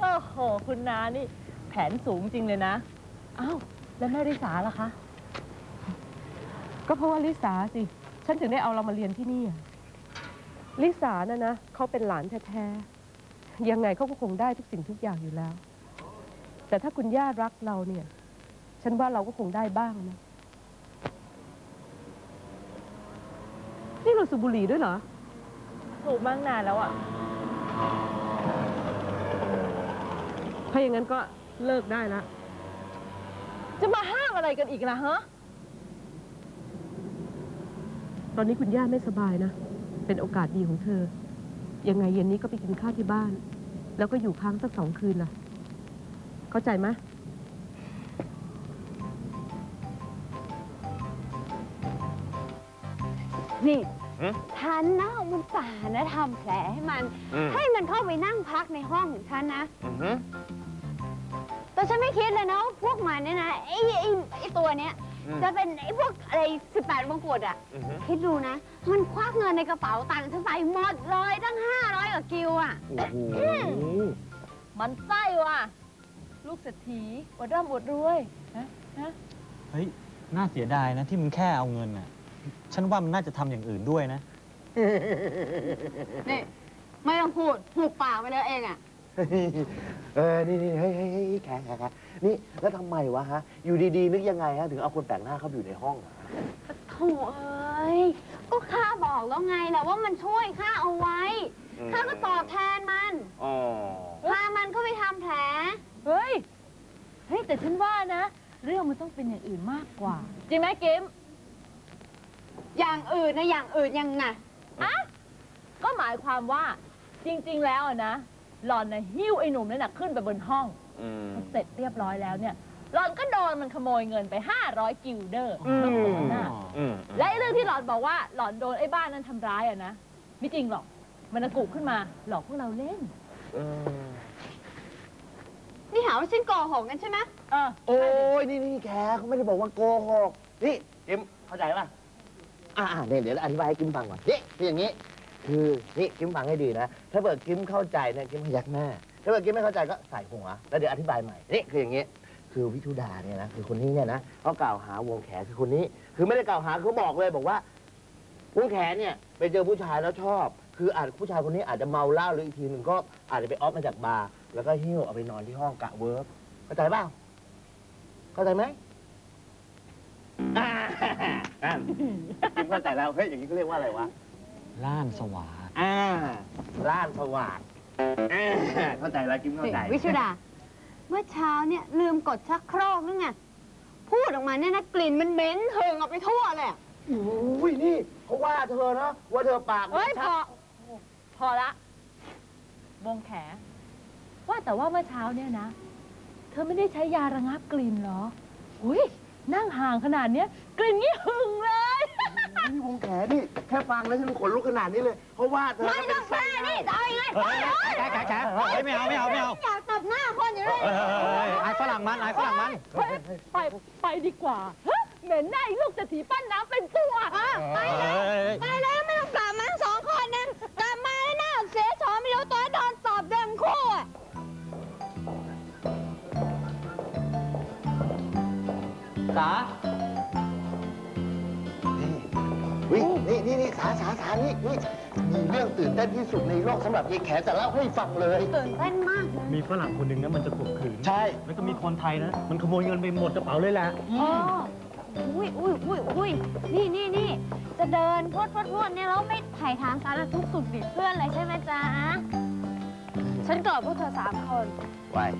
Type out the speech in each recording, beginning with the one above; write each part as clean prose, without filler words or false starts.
โอ้โหคุณนานี่แผนสูงจริงเลยนะอ้าวแล้วแม่ริสาล่ะคะก็เพราะว่าลิสาสิฉันถึงได้เอาเรามาเรียนที่นี่ลิสานะเขาเป็นหลานแท้ๆยังไงเขาก็คงได้ทุกสิ่งทุกอย่างอยู่แล้วแต่ถ้าคุณย่ารักเราเนี่ยฉันว่าเราก็คงได้บ้างนะนี่เราสูบบุหรี่ด้วยเหรอสูบมากนานแล้วอ่ะถ้าอย่างนั้นก็เลิกได้ละจะมาห้ามอะไรกันอีกล่ะฮะตอนนี้คุณย่าไม่สบายนะเป็นโอกาสดีของเธอยังไงเย็นนี้ก็ไปกินข้าวที่บ้านแล้วก็อยู่ค้างสัก2 คืนล่ะเข้าใจไหมนี่ฉันนะเอามันป่านะทำแผลให้มันเข้าไปนั่งพักในห้องของฉันนะแต่ฉันไม่คิดเลยนะว่าพวกมันเนี่ยนะไอ้ตัวเนี้ยจะเป็นไอ้พวกอะไร18 มงกุฎอ่ะคิดดูนะมันควักเงินในกระเป๋าตังค์ฉันไปหมดเลยตั้ง500 กว่ากิวอ่ะมันไส้ว่ะลูกเศรษฐีอวดร่ำอวดรวยนะเฮ้ยน่าเสียดายนะที่มึงแค่เอาเงินน่ะฉันว่ามันน่าจะทำอย่างอื่นด้วยนะนี่ไม่ต้องพูดหุบปากไปเลยเองอ่ะนี่เฮ้ยแขกนี่แล้วทำไมวะฮะอยู่ดีๆนึกยังไงฮะถึงเอาคนแปลกหน้าเข้าไปอยู่ในห้องโถ่เอ้ยก็ข้าบอกแล้วไงแหละว่ามันช่วยข้าเอาไว้ข้าก็ตอบแทนมันพามันก็ไปทำแผลเฮ้ยแต่ฉันว่านะเรื่องมันต้องเป็นอย่างอื่นมากกว่าจริงไหมกิมอย่างอื่นนะอย่างอื่นยังไงก็หมายความว่าจริงๆแล้วนะหล่อนนะหิ้วไอ้หนุ่มนั่นนะขึ้นไปบนห้องเสร็จเรียบร้อยแล้วเนี่ยหล่อนก็โดนมันขโมยเงินไป500 กิลเดอร์และเรื่องที่หล่อนบอกว่าหล่อนโดนไอ้บ้านนั้นทำร้ายนะไม่จริงหรอกมันกุขึ้นมาหลอกพวกเราเล่นนี่หาว่าฉันโกหกกันใช่ไหมโอ้ยนี่แกเขาไม่ได้บอกว่าโกหกนี่กิมเข้าใจป่ะเนี่ยเดี๋ยวอธิบายให้กิมฟังก่อนนี่คืออย่างนี้คือนี่กิมฟังให้ดีนะถ้าเกิดกิมเข้าใจเนี่ยกิมพยักหน้าถ้าเกิดกิมไม่เข้าใจก็ใส่หัวแล้วเดี๋ยวอธิบายใหม่นี่คืออย่างนี้คือวิทุดาเนี่ยนะคือคนนี้เนี่ยนะเขากล่าวหาวงแขคือคนนี้คือไม่ได้กล่าวหาเขาบอกเลยบอกว่าวงแขเนี่ยไปเจอผู้ชายแล้วชอบคืออาจผู้ชายคนนี้อาจจะเมาเหล้าหรืออีกทีหนึ่งก็อาจจะไปออฟมาจากบาร์แล้วก็หิ้วเอาไปนอนที่ห้องกะเวิร์กเข้าใจเปล่าเข้าใจไหมกิมเข้าใจแล้วเฮ้ยอย่างนี้เขาเรียกว่าอะไรวะล้านสว่างล้านสว่างเข้าใจแล้วกิมเข้าใจวิชุดาเมื่อเช้าเนี่ยลืมกดชักโครกนึกไงพูดออกมาเนี่ยนะกลิ่นมันเหม็นเถิงออกไปทั่วเลยอุ้ยนี่เขาว่าเธอนะว่าเธอปากพอละวงแขว่าแต่ว่าเมื่อเช้าเนี่ยนะเธอไม่ได้ใช้ยาระงับกลิ่นเหรออุ้ยนั่งห่างขนาดเนี้ยกลิ่นนี้หึงเลยนี่วงแขนี่แค่ฟังแล้วฉันขนลุกขนาดนี้เลยเพราะว่าเธอไม่ต้องแค่นี่จะเอายังไงแขไม่เอาอยากตบหน้าคนอยู่เลยไอ้ฝรั่งมันไปดีกว่าเหม็นหน้าลูกเศรษฐีปั้นน้ำเป็นตัวไปแล้วไม่ต้องกลับมา2 คนนึงกลับมาแล้วหน้าเสียชอไม่รู้ตัวโดนสอบเดิมคู่สานี่สานี่มีเรื่องตื่นเต้นที่สุดในโลกสำหรับยายแขจะเล่าให้ฟังเลยตื่นเต้นมากมีฝรั่งคนหนึ่งนะมันจะข่มขืนใช่แล้วก็มีคนไทยนะมันขโมยเงินไปหมดกระเป๋าเลยแหละอุ้ยนี่จะเดินพวดเนี่ยแล้วไม่ถ่ายถามสารทุกข์สุขดิบเพื่อนเลยใช่ไหมจ๊ะฉันเกิดพวกเธอ3 คนไว้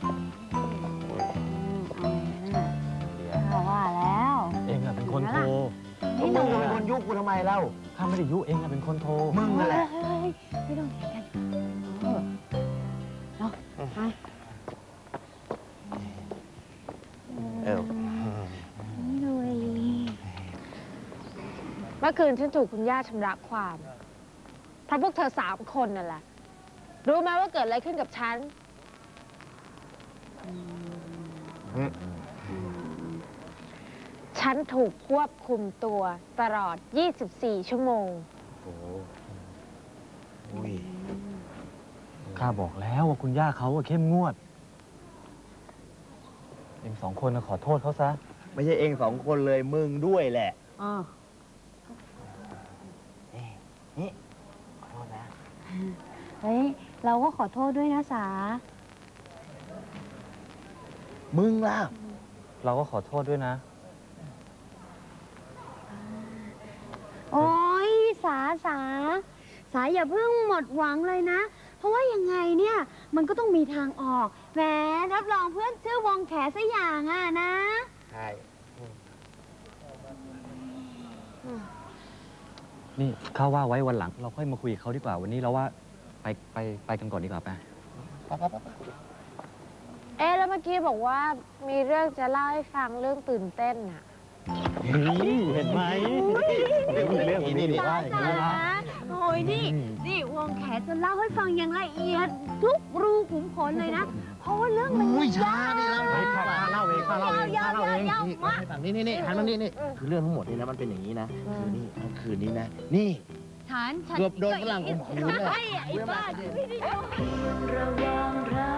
ว่าแล้วเองอะเป็นคนโทรมึงเป็นคนยุกูทำไมเล่าข้าไม่ได้ยุเองอะเป็นคนโทรมึงนั่นแหละไม่ต้องเถียงกันเนาะเมื่อคืนฉันถูกคุณย่าชำระความเพราะพวกเธอ3 คนนั่นแหละรู้ไหมว่าเกิดอะไรขึ้นกับฉันฉันถูกควบคุมตัวตลอด24 ชั่วโมงข้าบอกแล้วว่าคุณย่าเขาเข้มงวด เอง2 คนขอโทษเขาซะไม่ใช่เอง2 คนเลยมึงด้วยแหละอ๋อนี่ขอโทษนะเฮ้ย เราก็ขอโทษด้วยนะสามึงล่ะเราก็ขอโทษด้วยนะโอ้ยสาอย่าเพิ่งหมดหวังเลยนะ เพราะว่ายังไงเนี่ยมันก็ต้องมีทางออกแหมรับรองเพื่อนชื่อวงแขสักอย่างอ่ะนะใช่นี่ข้าว่าไว้วันหลัง เราค่อยมาคุยกับเขาดีกว่า วันนี้เราว่าไปกันก่อนดีกว่าไปเอ๊ะแล้วเมื่อกี้บอกว่ามีเรื่องจะเล่าให้ฟังเรื่องตื่นเต้นอะนี่เห็นไหมเรื่องนี้นี่สาโอ้ยนี่วงแขจะเล่าให้ฟังอย่างละเอียด ทุกรูขุมขนเลยนะ เพราะว่าเรื่องมันอุ้ยยาช้าว ดิแล้วข้าเล่าเองข้าเล่าเองข้าเล่าเองยาวนี่มากให้ฟังนี่หันมานี่คือเรื่องทั้งหมดนี่นะมันเป็นอย่างนี้นะคือนี่เมื่อคืนนี้นะ นี่ฐานฉันเกือบโดนฝรั่งข่มขืนเลยไอ้บ้าไม่ได้ระหว่างเรา